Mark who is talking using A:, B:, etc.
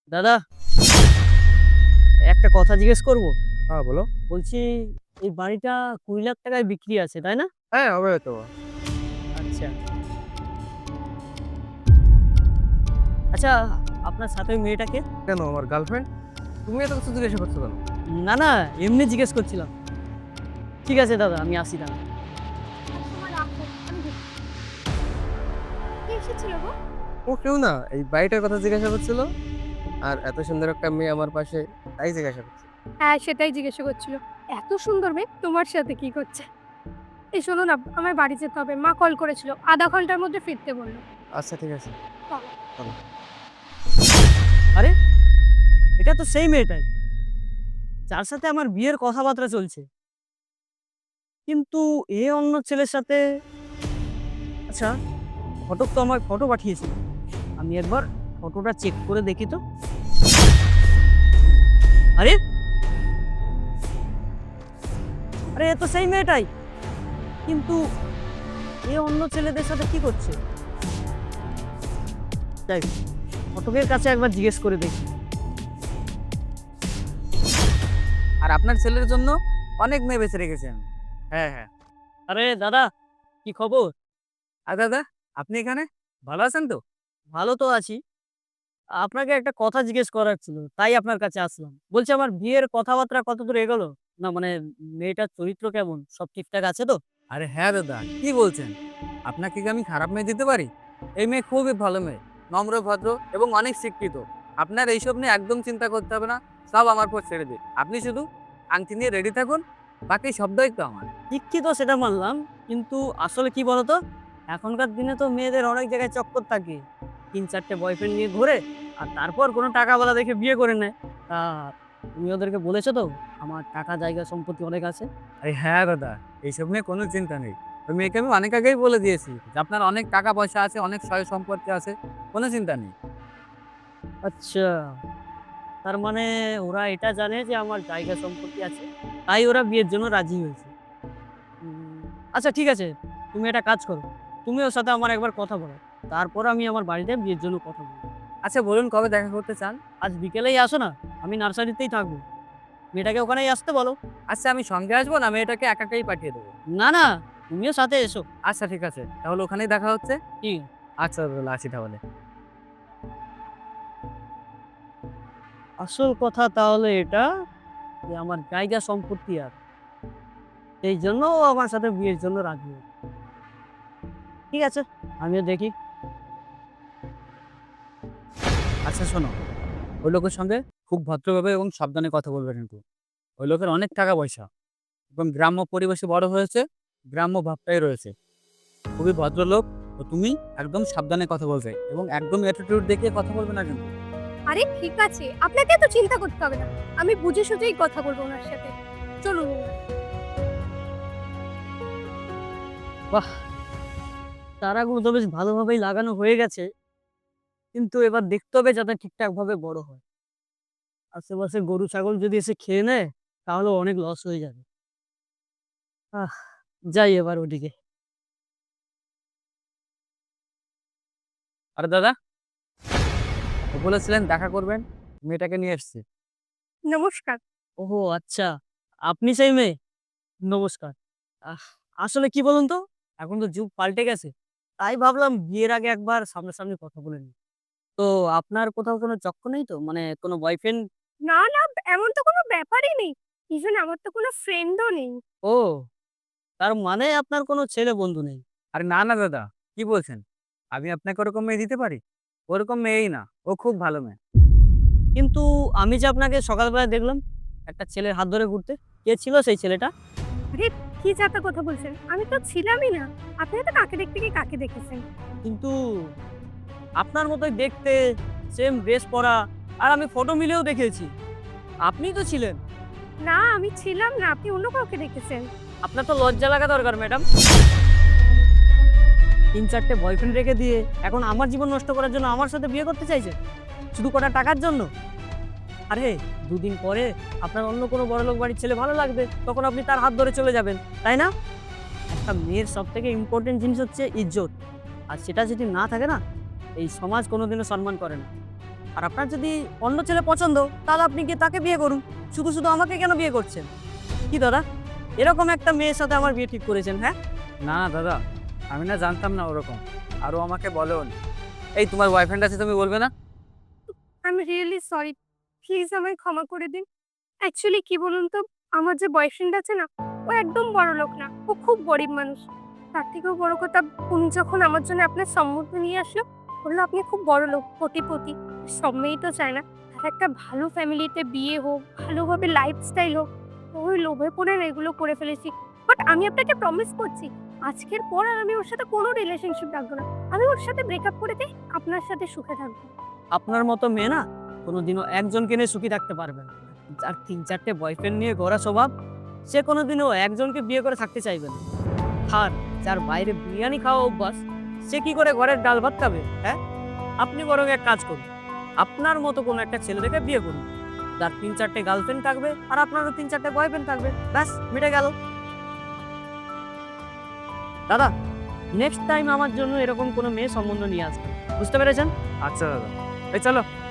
A: দাদা, একটা কথা জিজ্ঞেস করব?
B: হ্যাঁ, বলো।
A: বলছি, এই বাড়িটা 20 লাখ টাকায় বিক্রি আছে, তাই না?
B: হ্যাঁ, হবে হয়তো।
A: আচ্ছা। আচ্ছা, আপনার সাথে ওই মেয়েটা কে?
B: কেন আমার গার্লফ্রেন্ড? তুমি এত কিছু জিজ্ঞাসা করছো কেন?
A: না, না, এমনি জিজ্ঞেস করছিলাম। ঠিক আছে দাদা, আমি আসি তাহলে।
C: তোমার রাখো, আমি দেখছি। কে এসেছিল গো?
B: ও কেউ না, এই বাড়িটার কথা জিজ্ঞাসা করছিল। আর এত সুন্দর একটা মেয়ে আমার পাশে, তাই জিজ্ঞাসা করছে।
C: হ্যাঁ, সেটাই জিজ্ঞাসা করছিল। এত সুন্দর মেয়ে তোমার সাথে কি করছে? এই শোনো না, আমার বাড়ি যেতে হবে। মা কল করেছিল। আধা ঘন্টার মধ্যে ফিরতে বলল।
B: আচ্ছা ঠিক আছে।
C: চলো।
B: চলো।
A: আরে, এটা তো সেই মেয়েটাই, যার সাথে আমার বিয়ের কথাবার্তা চলছে। কিন্তু এ অন্য ছেলের সাথে। আচ্ছা, ঘটক তো আমায় ফটো পাঠিয়েছিল। আমি একবার ফটোটা চেক করে দেখি তো। আরে, আরে এ তো সেই মেয়েটাই। কিন্তু এ অন্য ছেলেদের সাথে কি করছে? যাই হোক, ফটকের কাছে একবার জিজ্ঞেস করে দেখি।
D: আর আপনার ছেলের জন্য অনেক মেয়ে বেছে রেখেছেন। হ্যাঁ, হ্যাঁ।
A: আরে দাদা, কি খবর?
D: আর দাদা, আপনি এখানে? ভালো আছেন তো?
A: ভালো তো আছি। আপনাকে একটা কথা জিজ্ঞেস করার ছিল, তাই আপনার কাছে আসলাম। বলছি, আমার বিয়ের কথাবার্তা কতদূর এগোলো? না মানে, মেয়েটার চরিত্র কেমন? সব ঠিকঠাক আছে তো?
D: আরে হ্যাঁ দাদা, কি বলছেন? আপনাকে কি আমি খারাপ মেয়ে দিতে পারি? এই মেয়ে খুবই ভালো মেয়ে, নম্র, ভদ্র এবং অনেক শিক্ষিত। আপনার এইসব নিয়ে একদম চিন্তা করতে হবে না। সব আমার উপর ছেড়ে দিন। আপনি শুধু আংটি নিয়ে রেডি থাকুন, বাকি সব দায়িত্ব আমার।
A: শিক্ষিত সেটা মানলাম, কিন্তু আসলে কি বলতো, এখনকার দিনে তো মেয়েদের অনেক জায়গায় চক্কর থাকে। 3-4টে বয়ফ্রেন্ড নিয়ে ঘোরে, আর তারপর কোনো টাকাওয়ালা দেখে বিয়ে করে নেয়। তা তুমি ওদেরকে বলেছো তো আমার টাকা জায়গা সম্পত্তি অনেক আছে?
D: আরে হ্যাঁ দাদা, এইসব নিয়ে কোনো চিন্তা নেই। ওই মেয়েকে আমি অনেক আগেই বলে দিয়েছি যে আপনার অনেক টাকা পয়সা আছে, অনেক সয় সম্পত্তি আছে, কোনো চিন্তা নেই।
A: আচ্ছা, তার মানে ওরা এটা জানে যে আমার জায়গা সম্পত্তি আছে, তাই ওরা বিয়ের জন্য রাজি হয়েছে। উম, আচ্ছা ঠিক আছে, তুমি একটা কাজ করো, তুমি ওর সাথে আমার একবার কথা বলো, তারপর আমি আমার বাড়িতে বিয়ের জন্য কথা বলবো।
D: আচ্ছা বলুন, কবে দেখা করতে চান?
A: আজ বিকেলেই আসো না, আমি নার্সারিতেই থাকবো। মেয়েটাকে ওখানেই আসতে বলো।
D: আচ্ছা, আমি সঙ্গে আসবো না মেয়েটাকে একাই পাঠিয়ে দেবো?
A: না না, তুমিও সাথে এসো।
D: আচ্ছা ঠিক আছে, তাহলে ওখানেই দেখা হচ্ছে।
A: ঠিক।
D: আচ্ছা তাহলে আসি তাহলে।
A: আসল কথা তাহলে এটা, যে আমার জায়গা সম্পত্তি আছে, সেই জন্য ও আমার সাথে বিয়ের জন্য রাজি হয়েছে। ঠিক আছে, আমিও দেখি।
D: আচ্ছা শোনো, ওই লোকের সঙ্গে খুব ভদ্রভাবে এবং সাবধানে কথা বলবে কিন্তু। ওই লোকের অনেক টাকা পয়সা এবং গ্রাম্য পরিবেশে বড় হয়েছে, গ্রাম্য ভাবটাই রয়েছে। খুবই ভদ্রলোক। তো তুমি একদম সাবধানে কথা বলবে এবং একদম অ্যাটিটিউড দেখিয়ে কথা বলবে না কিন্তু।
C: আরে ঠিক আছে, আপনাকে এত চিন্তা করতে হবে না। আমি বুঝে সুঝেই কথা বলবো ওনার সাথে। চলুন।
A: বাহ, চারাগুলো তো বেশ ভালোভাবেই লাগানো হয়ে গেছে, কিন্তু এবার দেখতে হবে যাতে ঠিকঠাক ভাবে বড় হয়। আশেপাশে গরু ছাগল যদি এসে খেয়ে নেয়, তাহলে অনেক লস হয়ে যাবে। আহ, যাই এবার ওদিকে।
D: আরে দাদা, বলেছিলেন দেখা করবেন, মেয়েটাকে নিয়ে এসেছি।
C: নমস্কার।
A: ওহো আচ্ছা, আপনি সেই মেয়ে? নমস্কার। আহ, আসলে কি বলুন তো, এখন তো যুগ পাল্টে গেছে, তাই ভাবলাম বিয়ের আগে একবার সামনাসামনি কথা বলে নিই। তো আপনার কোথাও কোনো চক্কর নেই তো, মানে কোনো বয়ফ্রেন্ড?
C: না, না, এমন তো কোনো ব্যাপারই নেই। ইভেন আমার তো কোনো ফ্রেন্ডও নেই।
A: ও, তার মানে আপনার কোনো ছেলে বন্ধু নেই?
D: আরে না না দাদা, কি বলছেন? আমি আপনাকে ওরকম মেয়ে দিতে পারি? ওরকম মেয়েই না, ও খুব ভালো মেয়ে।
A: কিন্তু আমি যে আপনাকে সকালবেলা দেখলাম একটা ছেলের হাত ধরে ঘুরতে, কে ছিল সেই ছেলেটা?
C: আরে কি যাতা কথা বলছেন? আমি তো ছিলামই না। আপনি তো কাকে দেখতে গিয়ে কাকে দেখেছেন?
A: কিন্তু আপনার মতোই দেখতে, সেম ড্রেস পরা, আর আমি ফটো মিলেও দেখেছি, আপনিই তো ছিলেন।
C: না, আমি ছিলাম না। আপনি অন্য কাউকে দেখেছেন।
A: আপনার তো লজ্জা লাগা দরকার ম্যাডাম। 3-4টে বয়ফ্রেন্ড রেখে দিয়ে এখন আমার জীবন নষ্ট করার জন্য আমার সাথে বিয়ে করতে চাইছেন, শুধু কটা টাকার জন্য? আরে, দুদিন পরে আপনার অন্য কোনো বড়লোক বাড়ির ছেলে ভালো লাগবে, তখন আপনি তার হাত ধরে চলে যাবেন, তাই না? একটা মেয়ের সব থেকে ইম্পর্টেন্ট জিনিস হচ্ছে ইজ্জত, আর সেটা যদি না থাকে না, এই সমাজ কোনোদিনও সম্মান করে না। আর আপনার যদি অন্য ছেলে পছন্দ তাহলে আপনি গিয়ে তাকে বিয়ে করুন, শুধু শুধু আমাকে কেন বিয়ে করছেন? কি দাদা, এরকম একটা মেয়ের সাথে আমার বিয়ে ঠিক করেছেন? হ্যাঁ,
D: না না দাদা, আমি না জানতাম না ওরকম, আরও আমাকে বলেও নি। এই তোমার বয়ফ্রেন্ড আছে, তুমি বলবে না?
C: I am really sorry, please আমায় ক্ষমা করে দিন। অ্যাকচুয়ালি কি বলুন তো, আমার যে বয়ফ্রেন্ড আছে না, ও একদম বড় লোক না, ও খুব গরিব মানুষ। তার থেকেও বড় কথা, উনি যখন আমার জন্য আপনার সম্মতি নিয়ে আসলো, বললো আপনি খুব বড় লোক, কোটিপতি। সব মেয়েই তো চায় না তার একটা ভালো ফ্যামিলিতে বিয়ে হোক, ভালোভাবে লাইফস্টাইল হোক। ওই লোভে পড়ে না এগুলো করে ফেলেছি। বাট আমি আপনাকে প্রমিস করছি, আজকের পর আর আমি ওর সাথে কোনো রিলেশনশিপ রাখবো না। আমি ওর সাথে ব্রেকআপ করে দিয়ে আপনার সাথে সুখে থাকবো।
A: আপনার মতো মেয়ে না কোনোদিনও একজনকে নিয়ে সুখী থাকতে পারবে না। যার 3-4টে বয়ফ্রেন্ড নিয়ে ঘোরা স্বভাব, সে কোনোদিনও একজনকে বিয়ে করে থাকতে চাইবে না। আর যার বাইরে বিরিয়ানি খাওয়া অভ্যাস, সে কি করে ঘরের ডাল ভাত খাবে? হ্যাঁ, আপনি বরং এক কাজ করুন, আপনার মতো কোনো একটা ছেলে দেখে বিয়ে করুন, যার 3-4টে গার্লফ্রেন্ড থাকবে আর আপনারও 3-4টে বয়ফ্রেন্ড থাকবে, ব্যাস মিটে গেল। দাদা, নেক্সট টাইম আমার জন্য এরকম কোনো মেয়ে সম্বন্ধ নিয়ে আসবে, বুঝতে পেরেছেন?
D: আচ্ছা দাদা, এই চলো।